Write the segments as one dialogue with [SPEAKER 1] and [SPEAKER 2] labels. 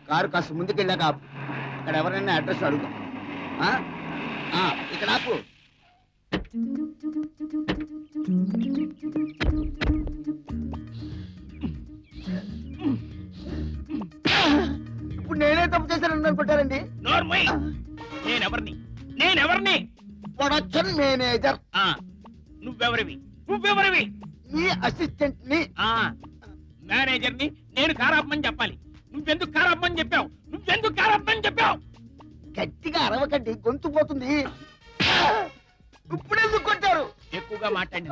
[SPEAKER 1] Car కాస్త ముందుకెళ్ళాక ఆపు. అక్కడ ఎవరైనా అడ్రస్ అడుగు. ఇక్కడ ఆపు. ఇప్పుడు నేనే తప్పు చేశానని అనుకుంటారండి.
[SPEAKER 2] నేనెవరిని?
[SPEAKER 1] Production manager.
[SPEAKER 2] నువ్వెవరివి?
[SPEAKER 1] మీ అసిస్టెంట్ ని.
[SPEAKER 2] మేనేజర్ ని నేను కారాపమని చెప్పాలి. నువ్వెందుకు కారాపమని చెప్పావు?
[SPEAKER 1] గట్టిగా అరవకండి, గొంతు పోతుంది. ఇప్పుడెందుకు కొట్టారు?
[SPEAKER 2] ఎక్కువగా మాట్లాడి.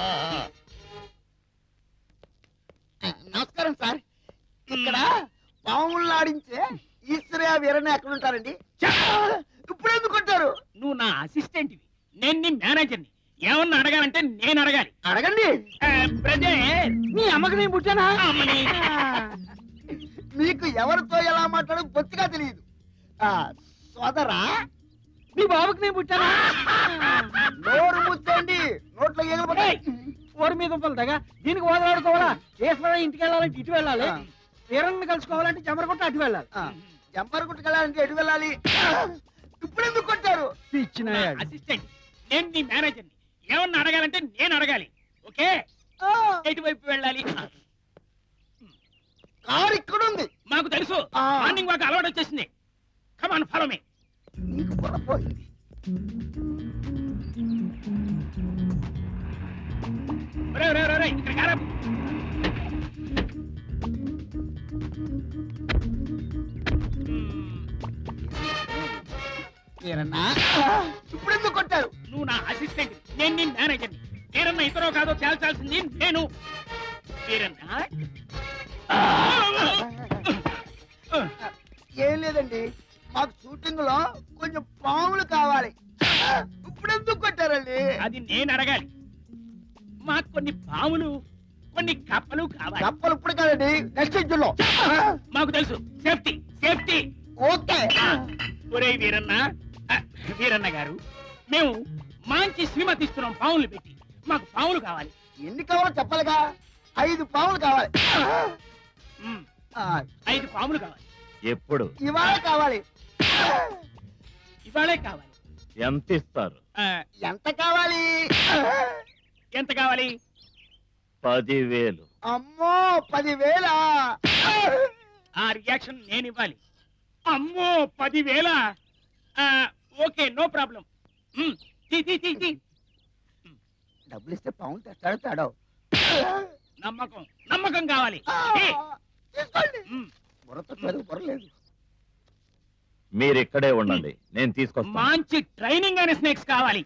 [SPEAKER 1] నమస్కారం సార్. ఇక్కడ పాములు ఆడించే ఈశ్వరయ్య వీరన్న ఎక్కడ ఉంటారండి? ఇప్పుడెందుకు కొట్టారు?
[SPEAKER 2] నువ్వు నా అసిస్టెంట్వి, నేను నీ మేనేజర్ని. ఏమన్నా అడగాలంటే నేను అడగాలి.
[SPEAKER 1] అడగండి.
[SPEAKER 2] మీ అమ్మకి నేను పుట్టానా?
[SPEAKER 1] మీకు ఎవరితో ఎలా మాట్లాడో బొత్తిగా తెలియదు. సోదరా,
[SPEAKER 2] మీ బాబుకి నేను పుట్టానా?
[SPEAKER 1] నోరు ముచ్చండి, నోట్లో ఎగలబడ్డాయి.
[SPEAKER 2] ఊరి మీద ఉంటుందిగా దీనికి ఓదలాడుకోవాలా? ఈశ్వరయ్య ఇంటికి వెళ్ళాలంటే ఇటు వెళ్ళాలి, వీరన్ని కలుసుకోవాలంటే చెమరకొట్ట అటు వెళ్ళాలి.
[SPEAKER 1] జంపరగుట్టుకెళ్ళాలంటే ఎటు వెళ్ళాలి? ఇప్పుడెందుకు కొట్టారు?
[SPEAKER 2] ఇచ్చిన అసిస్టెంట్, నేను నీ మేనేజర్ని. ఏమన్నా అడగాలంటే నేను అడగాలి. ఓకే, ఎటువైపు వెళ్ళాలి?
[SPEAKER 1] కారు ఇక్కడ ఉంది.
[SPEAKER 2] మాకు తెలుసు, మార్నింగ్ వాక్ అలవాటు వచ్చేసింది. Come on, follow me.
[SPEAKER 1] నీకు పొరపోయింది.
[SPEAKER 2] ఇక్కడ కారా.
[SPEAKER 1] ఇప్పుడెందుకు కొట్టారు?
[SPEAKER 2] నువ్వు నా అసిస్టెంట్, నేను నీ మేనేజర్ని. వీరన్న ఇతరో కాదో తేల్చాల్సింది నేను. వీరన్న
[SPEAKER 1] ఏం లేదండి, మాకు షూటింగ్ లో కొంచెం పాములు కావాలి. ఇప్పుడెందుకు కొట్టారండి?
[SPEAKER 2] అది నేను అడగాలి. మాకు కొన్ని పాములు, కొన్ని కప్పలు కావాలి.
[SPEAKER 1] కప్పలు ఇప్పుడు కాదండి, నెక్స్ట్ ఎగ్జిట్లో.
[SPEAKER 2] మాకు తెలుసు, సేఫ్టీ సేఫ్టీ.
[SPEAKER 1] ఓకే.
[SPEAKER 2] ఒరే వీరన్న గారు, మేము మంచి సినిమా తీస్తున్నాం పాములు పెట్టి. మాకు పాములు కావాలి.
[SPEAKER 1] ఎన్ని కావాలో చెప్పాలిగా. 5 పాములు కావాలి.
[SPEAKER 2] 5 పాములు కావాలి.
[SPEAKER 3] ఎప్పుడు?
[SPEAKER 1] ఇవాళ కావాలి.
[SPEAKER 2] ఇవాళే కావాలి.
[SPEAKER 3] ఎంత ఇస్తారు?
[SPEAKER 1] ఎంత కావాలి?
[SPEAKER 2] ఎంత కావాలి?
[SPEAKER 3] 10,000.
[SPEAKER 1] అమ్మో, 10,000?
[SPEAKER 2] ఆ రియాక్షన్ నేను ఇవ్వాలి. అమ్మో, 10,000? Okay, no problem.
[SPEAKER 1] డబ్బులు ఇస్తే పాములు తెస్తాడో.
[SPEAKER 2] నమ్మకం కావాలి.
[SPEAKER 1] బుర్రలేదు.
[SPEAKER 3] మీరు ఇక్కడే ఉండండి, నేను తీసుకొస్తాను.
[SPEAKER 2] మంచి ట్రైనింగ్ అయిన స్నేక్స్ కావాలి.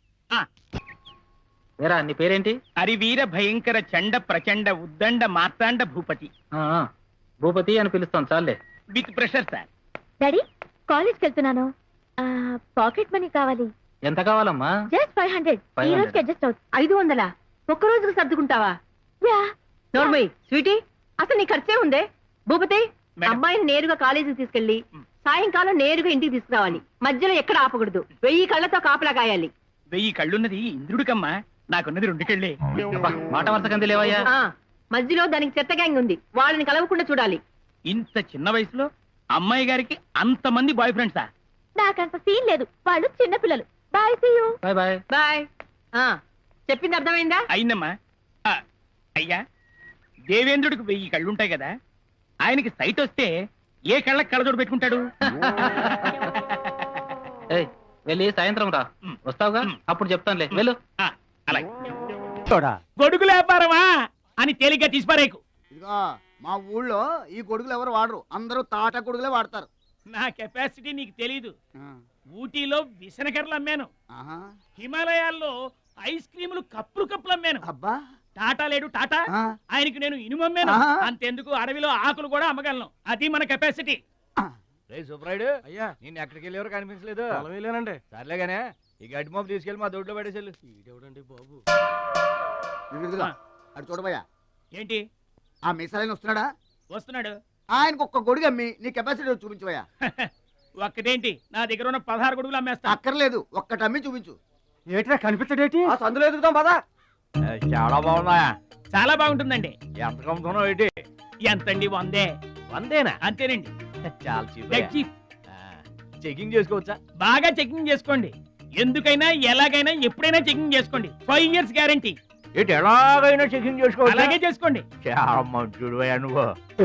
[SPEAKER 4] నీ పేరేంటి?
[SPEAKER 2] హరివీర భయంకర చండ ప్రచండ ఉద్దండ మార్తాండ భూపతి.
[SPEAKER 4] భూపతి అని పిలుస్తాం చాలే.
[SPEAKER 2] With pressure sir.
[SPEAKER 5] డాడీ, కాలేజ్కి వెళ్తున్నాను. పాకెట్ మనీ కావాలి.
[SPEAKER 4] ఎంత కావాలమ్మా?
[SPEAKER 5] జస్ట్ 500. ఈ రోజుకి అడ్జస్ట్ అవుతుంది.
[SPEAKER 6] 500? ఒక్క రోజుకు సర్దుకుంటావా?
[SPEAKER 5] యా.
[SPEAKER 6] నోర్మయ్ స్వీటీ, అసలు నీ ఖర్చే ఉందే. భూపతి,
[SPEAKER 2] మేడం.
[SPEAKER 6] అమ్మాయిని నేరుగా కాలేజీకి తీసుకెళ్లి సాయంకాలం నేరుగా ఇంటికి తీసుకురావాలి. మధ్యలో ఎక్కడ ఆపకూడదు. 1000 కళ్ళతో కాపలా కాయాలి.
[SPEAKER 2] 1000 కళ్ళున్నది ఇంద్రుడికమ్మా, నాకున్నది 2 కళ్ళే.
[SPEAKER 4] మాట వరుసకంది లేవయ్యా.
[SPEAKER 6] మధ్యలో దానికి చెత్త గ్యాంగ్ ఉంది, వాళ్ళని కలవకుండా చూడాలి.
[SPEAKER 2] ఇంత చిన్న వయసులో అమ్మాయి గారికి అంతమంది బాయ్ ఫ్రెండ్సా?
[SPEAKER 5] నాకంత సీన్ లేదు, వాళ్ళు చిన్న పిల్లలు. Bye, see you.
[SPEAKER 4] Bye bye.
[SPEAKER 6] Bye. చెప్పింది అర్థమైందా?
[SPEAKER 2] అయిందమ్మా. అయ్యా, దేవేంద్రుడికి 1000 కళ్ళుంటాయి కదా, ఆయనకి సైట్ వస్తే ఏ కళ్ళకి కళ్ళజోడు పెట్టుకుంటాడు?
[SPEAKER 4] వెళ్ళి సాయంత్రం రా. వస్తావుగా, అప్పుడు చెప్తానులే. వెళ్ళు.
[SPEAKER 2] అలాగే. గొడుగుల వ్యాపారమా అని తేలిగ్గా తీసిపారేకు.
[SPEAKER 1] ఇదిగో, మా ఊళ్ళో ఈ గొడుగులు ఎవరు వాడరు, అందరూ తాటా గొడుగులే వాడతారు.
[SPEAKER 2] నా కెపాసిటీ నీకు తెలీదు. ఊటీలో విసనకర్రలు అమ్మాను,
[SPEAKER 1] ఆహా.
[SPEAKER 2] హిమాలయాల్లో ఐస్ క్రీములు కప్పులు అమ్మాను.
[SPEAKER 1] అబ్బా,
[SPEAKER 2] టాటా లేడు టాటా, ఆయనకి నేను ఇనుము అమ్మాను. అంతెందుకు, అడవిలో ఆకులు కూడా అమ్మగలను. అది మన కెపాసిటీ.
[SPEAKER 7] సుబ్రాయుడు, అయ్యా నేను ఎక్కడికి వెళ్ళేవారు కనిపించలేదు. వెళ్ళానండి. సర్లేగానే ఈ గడ్డి మోపు తీసుకెళ్ళి మా దొడ్లో పడేసేళ్ళు. ఇదేవిడండి బాబు.
[SPEAKER 1] అటు చూడబోయా.
[SPEAKER 2] ఏంటి?
[SPEAKER 1] ఆ మిసలైన వస్తున్నాడా?
[SPEAKER 2] వస్తున్నాడు.
[SPEAKER 1] ఆయనకు ఒక్క గొడుగు అమ్మి నీ కెపాసిటీ చూపించబోయా.
[SPEAKER 2] ఒక్కటేంటి, నా దగ్గర ఉన్న 16 గొడుగులు అమ్మేస్తా.
[SPEAKER 1] అక్కర్లేదు, ఒక్కటి అమ్మి చూపించు.
[SPEAKER 7] ఏట్రా కనిపించడేటి?
[SPEAKER 1] సందులో ఎదుగుతాం పదా.
[SPEAKER 7] చాలా బాగున్నాయా?
[SPEAKER 2] చాలా బాగుంటుందండి.
[SPEAKER 7] ఎంత కమ్ముతున్నావు ఏంటి?
[SPEAKER 2] ఎంతండి? 100.
[SPEAKER 7] 100
[SPEAKER 2] అంతేనండి.
[SPEAKER 7] చాలా cheap
[SPEAKER 2] Dead
[SPEAKER 7] అయ్యా.
[SPEAKER 2] cheap.
[SPEAKER 7] చెకింగ్ చేసుకోవచ్చా?
[SPEAKER 2] బాగా చెకింగ్ చేసుకోండి. ఎందుకైనా ఎలాగైనా ఎప్పుడైనా చెకింగ్ చేసుకోండి. 5 years గ్యారంటీ.
[SPEAKER 7] ఏంటి ఎలాగైనా చెకింగ్ చేసుకోవచ్చా?
[SPEAKER 2] అలాగే చేసుకోండి.
[SPEAKER 7] చాలా మంచుడు నువ్వు.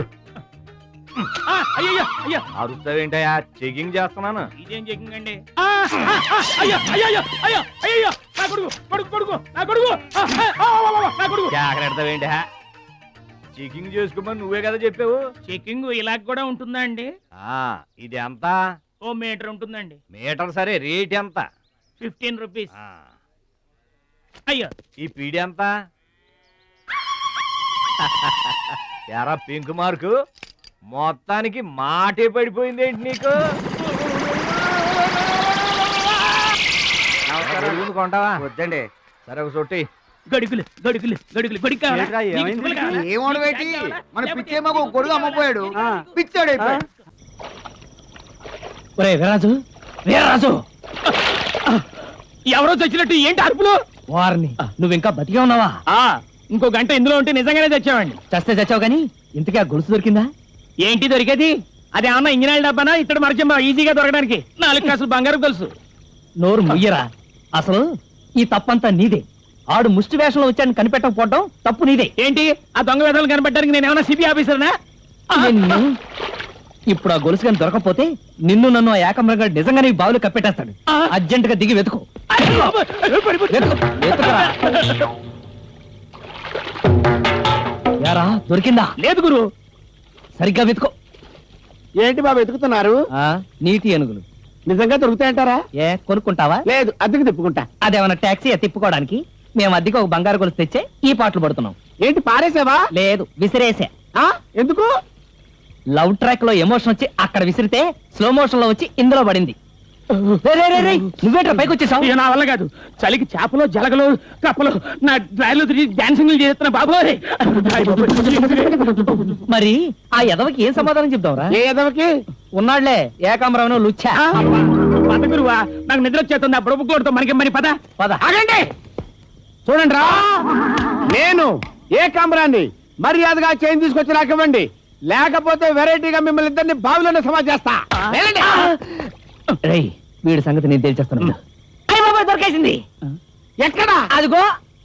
[SPEAKER 2] అయ్యో అయ్యో
[SPEAKER 7] అరుస్తావేంటయ్యా? చెకింగ్ చేస్తున్నాను.
[SPEAKER 2] ఇదేం చెకింగ్ అండి? అయ్యో అయ్యో అయ్యో అయ్యో నా కొడుకు కొడుకు కొడుకు నా కొడుకు నా కొడుకు.
[SPEAKER 7] జాగ్రత్తవేంటి? చెకింగ్ చేసుకోమని నువ్వే కదా చెప్పావు.
[SPEAKER 2] చెకింగ్ ఇలా కూడా ఉంటుందా అండి?
[SPEAKER 7] ఇది ఎంత?
[SPEAKER 2] ఓ మీటర్ ఉంటుందండి.
[SPEAKER 7] మీటర్ సరే, రేట్ ఎంత?
[SPEAKER 2] 15 రూపీస్. అయ్యో
[SPEAKER 7] ఈ పీడి ఎంత? ఎరా పింక్ మార్కు, మొత్తానికి మాటే పడిపోయింది ఏంటి నీకు? అడుగుంది కొంటావా?
[SPEAKER 1] వద్దండి.
[SPEAKER 7] సరే ఒక చోటి.
[SPEAKER 2] గడుగులు గడుగులు గడుగులు గడికి కావాలా?
[SPEAKER 7] ఏంట్రా,
[SPEAKER 2] నీకు
[SPEAKER 7] ఏమైంది?
[SPEAKER 2] చుక్కలు కావాలా?
[SPEAKER 1] ఏమడబెట్టి మన పిచ్చేమో గొడుగు అమ్మపోయాడు, పిచ్చాడు అయిపోయాడు.
[SPEAKER 2] ఒరే వీరరాజు, వీరరాజు, ఎవరో చచ్చినట్టు ఏంటి అరుపులు?
[SPEAKER 4] వారిని నువ్వు ఇంకా బతికే ఉన్నావా?
[SPEAKER 2] ఇంకో గంట ఇందులో ఉంటే నిజంగానే చచ్చావండి.
[SPEAKER 4] చస్తే చచ్చావు గానీ ఇంతకీ ఆ గొలుసు దొరికిందా?
[SPEAKER 2] ఏంటి దొరికేది? అది ఏమన్నా ఇంజనీర్ డబ్బానా ఇతడు మరచంబా ఈజీగా దొరకడానికి? 4 కాసులు బంగారు గొలుసు.
[SPEAKER 4] నోరు ముయ్యరా. అసలు ఈ తప్పంతా నీదే. ఆడు ముష్టి వేషంలో వచ్చాడని కనిపెట్టకపోవడం తప్పు నీదే.
[SPEAKER 2] ఏంటి ఆ దొంగ వేదాలు కనిపెట్టడానికి నేను ఏమన్నా సిబి ఆఫీసర్నా?
[SPEAKER 4] నిన్ను ఇప్పుడు ఆ గొలుసు కానీ దొరకపోతే నిన్ను నన్ను ఆ ఏకమ్రంగా నిజంగానే ఈ బావులు కప్పెట్టేస్తాడు. అర్జెంట్ గా దిగి వెతుకు. వెతుకురా. యారా దొరికిందా?
[SPEAKER 2] లేదు గురు.
[SPEAKER 4] సరిగ్గా వెతుకో.
[SPEAKER 1] ఏంటి బాబు వెతుకుతున్నారు?
[SPEAKER 4] నీటి ఏనుగులు
[SPEAKER 1] నిజంగా దొరుకుతాయంటారా?
[SPEAKER 4] ఏ కొనుక్కుంటావా?
[SPEAKER 1] లేదు, అద్దెకు తిప్పుకుంటా.
[SPEAKER 4] అదేమన్నా టాక్సీ తిప్పుకోవడానికి? మేము అద్దెకి ఒక బంగారు గొలుసు తెచ్చే ఈ పాటలు పడుతున్నాం.
[SPEAKER 1] ఏంటి పారేసావా?
[SPEAKER 4] లేదు, విసిరేసా.
[SPEAKER 1] ఎందుకు?
[SPEAKER 4] లవ్ ట్రాక్ లో ఎమోషన్ వచ్చి అక్కడ విసిరితే స్లో మోషన్ లో వచ్చి ఇందులో పడింది. నువ్వేట్రా పైకి వచ్చేసావు?
[SPEAKER 2] ఇక నా వల్ల కాదు. చలికి చేపలు జలగలు కప్పలు నా డ్రైవ్లో తిరిగి డాన్సింగ్ చేస్తున్నా బాబోయ్.
[SPEAKER 4] మరి ఆ ఎదవకి ఏం సమాధానం చెప్తావురా?
[SPEAKER 1] ఏ ఎదవకి?
[SPEAKER 4] ఉన్నాళ్లే ఏకాంబరం లుచ్చా.
[SPEAKER 2] పద గురువా, నాకు నిద్ర వచ్చేస్తుంది. ఆ బుడబుక్లోడితో మనకి మరి పద
[SPEAKER 4] పద.
[SPEAKER 1] ఆగండి, చూడండి రా, నేను ఏకాంబరాన్ని మర్యాదగా చైన్ తీసుకొచ్చి నాకు ఇవ్వండి, లేకపోతే వెరైటీగా మిమ్మల్ని ఇద్దరిని బావిలోనే సమా చేస్తా.
[SPEAKER 4] రేయ్, వీడి సంగతి నేను తెలిచేస్తాను.
[SPEAKER 2] దొరికేసింది.
[SPEAKER 1] ఎక్కడా?
[SPEAKER 4] అదిగో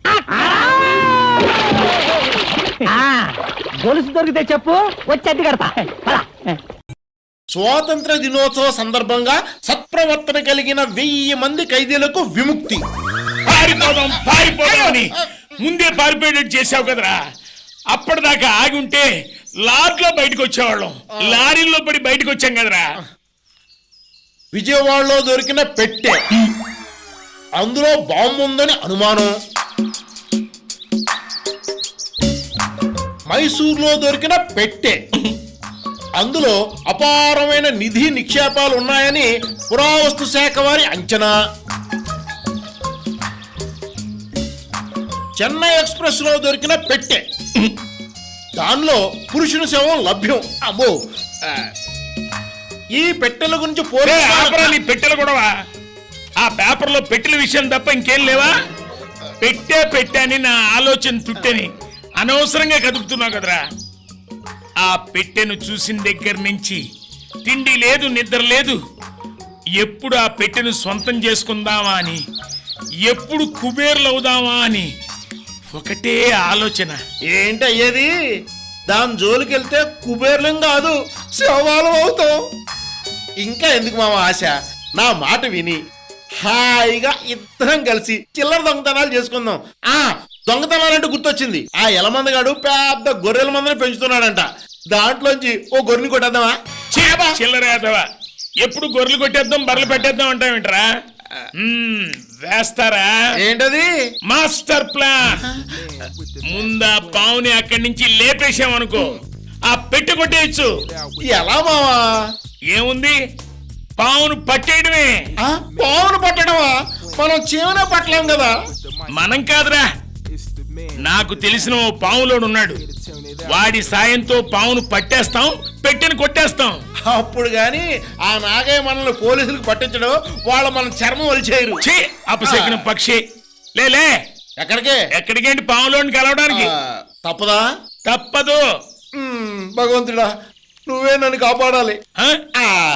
[SPEAKER 4] గొలుసు దొరికితే చెప్పు, వచ్చి అద్దె కడతా.
[SPEAKER 8] స్వాతంత్ర దినోత్సవ సందర్భంగా సత్ప్రవర్తన కలిగిన 1000 మంది ఖైదీలకు విముక్తి.
[SPEAKER 9] పారిపోదాం పారిపోదాం అని ముందే పారిపోయేటట్టు చేసావు కదరా. అప్పటిదాకా ఆగి ఉంటే లారీలో బయటకు వచ్చేవాళ్ళం. లారీలో పడి బయటకు వచ్చాం కదరా.
[SPEAKER 8] విజయవాడలో దొరికిన పెట్టె, అందులో బాంబు ఉందని అనుమానం. మైసూర్లో దొరికిన పెట్టె, అందులో అపారమైన నిధి నిక్షేపాలు ఉన్నాయని పురావస్తు శాఖ వారి అంచనా. చెన్నై ఎక్స్ప్రెస్ లో దొరికిన పెట్టె, దానిలో పురుషుని శవం లభ్యం. అమ్మో, ఈ పెట్టెల గురించి
[SPEAKER 9] నీ పెట్టెలు కూడా ఆ పేపర్లో పెట్టెల విషయం తప్ప ఇంకేం లేవా? పెట్టే అని నా ఆలోచన తుట్టని అనవసరంగా కదుపుతున్నావు కదరా. ఆ పెట్టెను చూసిన దగ్గర నుంచి తిండి లేదు, నిద్ర లేదు. ఎప్పుడు ఆ పెట్టెను సొంతం చేసుకుందామా అని, ఎప్పుడు కుబేర్లు అవుదామా అని ఒకటే ఆలోచన.
[SPEAKER 8] ఏంటి అయ్యేది? దాని జోలికి వెళ్తే కుబేర్లం కాదు, శవాలం అవుతాం. ఇంకా ఎందుకు మామ ఆశ? నా మాట విని హాయిగా ఇద్దరం కలిసి చిల్లర దొంగతనాలు చేసుకుందాం. దొంగతనాలంటే గుర్తొచ్చింది, ఆ ఎలమందగాడు పెద్ద గొర్రెల మందని పెంచుతున్నాడంట. దాంట్లోంచి ఓ గొర్రెని కొట్టేద్దామా?
[SPEAKER 9] చిల్లరేదవా, ఎప్పుడు గొర్రెలు కొట్టేద్దాం బర్రెలు పెట్టేద్దాం అంటావేంట్రా? వేస్తారా?
[SPEAKER 8] ఏంటది?
[SPEAKER 9] Master plan. ముందా పావుని అక్కడి నుంచి లేపేసామనుకో, ఆ పెట్టి కొట్టేయచ్చు.
[SPEAKER 8] ఎలా మావా?
[SPEAKER 9] ఏముంది, పావును పట్టేయడమే.
[SPEAKER 8] పావును పట్టడమా? మనం చీమనే పట్టలేం కదా.
[SPEAKER 9] మనం కాదురా, నాకు తెలిసిన ఓ పావులోడు ఉన్నాడు. వాడి సాయంతో పావును పట్టేస్తాం, పెట్టెను కొట్టేస్తాం.
[SPEAKER 8] అప్పుడు గాని ఆ నాగయ్య మనల్ని పోలీసులకు పట్టించడం, వాళ్ళ మన చర్మం వలిచేయరు.
[SPEAKER 9] అపశకున పక్షి. లేలే,
[SPEAKER 8] ఎక్కడికే?
[SPEAKER 9] ఎక్కడికేంటి పావులోని కలవడానికి?
[SPEAKER 8] తప్పదా?
[SPEAKER 9] తప్పదు.
[SPEAKER 8] భగవంతుడా, నువ్వే నన్ను కాపాడాలి
[SPEAKER 9] ఆ?
[SPEAKER 8] ఆ